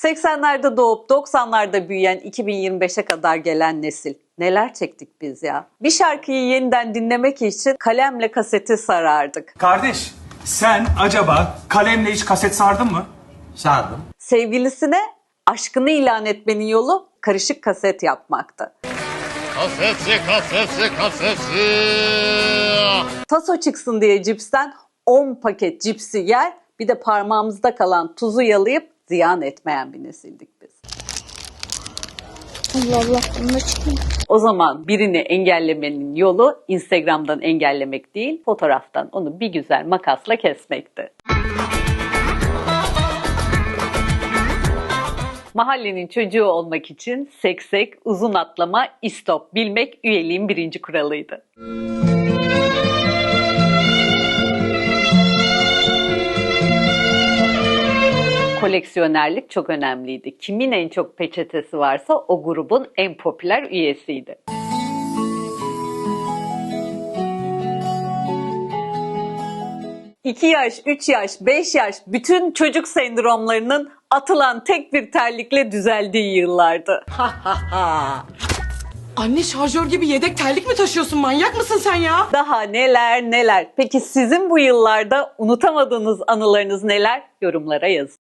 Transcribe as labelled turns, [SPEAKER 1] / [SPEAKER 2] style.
[SPEAKER 1] 80'lerde doğup 90'larda büyüyen 2025'e kadar gelen nesil. Neler çektik biz ya. Bir şarkıyı yeniden dinlemek için kalemle kaseti sarardık.
[SPEAKER 2] Kardeş, sen acaba kalemle hiç kaset sardın mı?
[SPEAKER 3] Sardım.
[SPEAKER 1] Sevgilisine aşkını ilan etmenin yolu karışık kaset yapmaktı.
[SPEAKER 4] Kasetsi.
[SPEAKER 1] Taso çıksın diye cipsten 10 paket cipsi yer, bir de parmağımızda kalan tuzu yalayıp ziyan etmeyen bir nesildik biz.
[SPEAKER 5] Allah Allah, bununla çıkayım.
[SPEAKER 1] O zaman birini engellemenin yolu Instagram'dan engellemek değil, fotoğraftan onu bir güzel makasla kesmekti. Mahallenin çocuğu olmak için seksek, uzun atlama, istop bilmek üyeliğin birinci kuralıydı. Koleksiyonerlik çok önemliydi. Kimin en çok peçetesi varsa o grubun en popüler üyesiydi. İki yaş, 3 yaş, 5 yaş bütün çocuk sendromlarının atılan tek bir terlikle düzeldiği yıllardı.
[SPEAKER 6] Anne şarjör gibi yedek terlik mi taşıyorsun? Manyak mısın sen ya?
[SPEAKER 1] Daha neler neler. Peki sizin bu yıllarda unutamadığınız anılarınız neler? Yorumlara yazın.